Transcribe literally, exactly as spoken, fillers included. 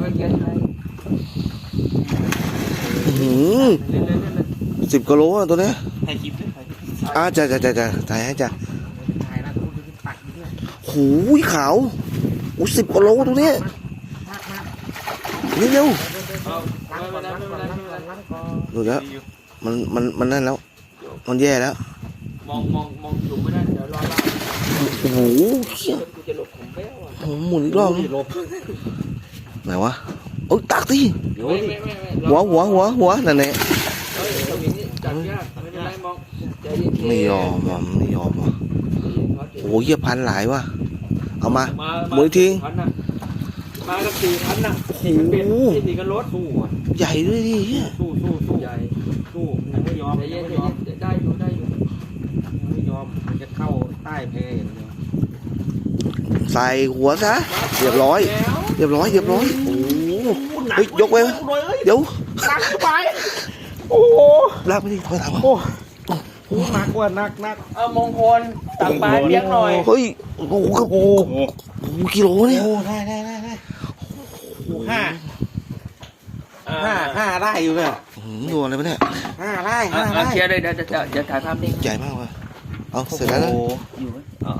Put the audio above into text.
ก็เยอะไทยสิบกิโลอ่ะตัวเนี้ยถ่ายคลิปด้วยถ่ายคลิปอ่าจ้ะจ้ะจ้ะจ้ะถ่ายให้จ้ะถ่ายนะทุกคนปักด้วยหูยขาวโอ้สิบกิโลตัวเนี้ยนี่เร็วเอาไม่เป็นไรไม่เป็นไรไม่เป็นไรล้างก่อนดูแล้วมันมันมันนั่นแล้วมันแย่แล้วมองมองมองอยู่ไม่ได้เดี๋ยวรอเราโอ้โหเหี้ยกูจะหลบของแป้วอ่ะโอ้โหหมุนอีกรอบหลบไหนวะโอ้ยตักสิไม่ไม่ไม่ไม่หัวหัวหัวหัวนั่นแหละเฮ้ยทำอย่างนี้จับยากไม่เป็นไรมองใจเย็นๆไม่ยอมอ่ะไม่ยอมอ่ะโอ้โหเยี่ยพันหลายวะเอามามาหมุนอีกทีพันน่ะมากันสี่พันน่ะโอ้โหเป็นสี่กันรถสู้อ่ะใหญ่ด้วยดิเหี้ยสู้สู้สู้ใหญ่สู้ยังไม่ยอมใจยัเย็งนไม่ใจยอมเย็นได้อยู่ได้อยู่ยังไม่ยอมมันจะเข้าใต้แพอย่างเดียวใส่หัวซะเรียบร้อยแล้วเรียบร้อยเรียบร้อยโอ้โหเฮ้ยยกไว้ไหมเดี๋ยวหนักไปโอ้โหลากไปดิถอยหลังมาโอ้โหหนักกว่าหนักหนักเอามงคลตักปลาเลี้ยงหน่อยเฮ้ยโอ้โหครับโอ้โอ้โหโหกิโลเนี่ยโอ้ได้ได้ได้ได้โอ้ห้าห้าห้าได้อยู่เนี่ยหืมดูอะไรปะเนี่ยห้าได้อ่ะห้าอ่ะได้เคลียร์เลยเดี๋ยวเดี๋ยวเดี๋ยวถ่ายภาพนิ่งใหญ่มากว่ะเอาเสร็จแล้วนะโอ้โหอยู่ไหม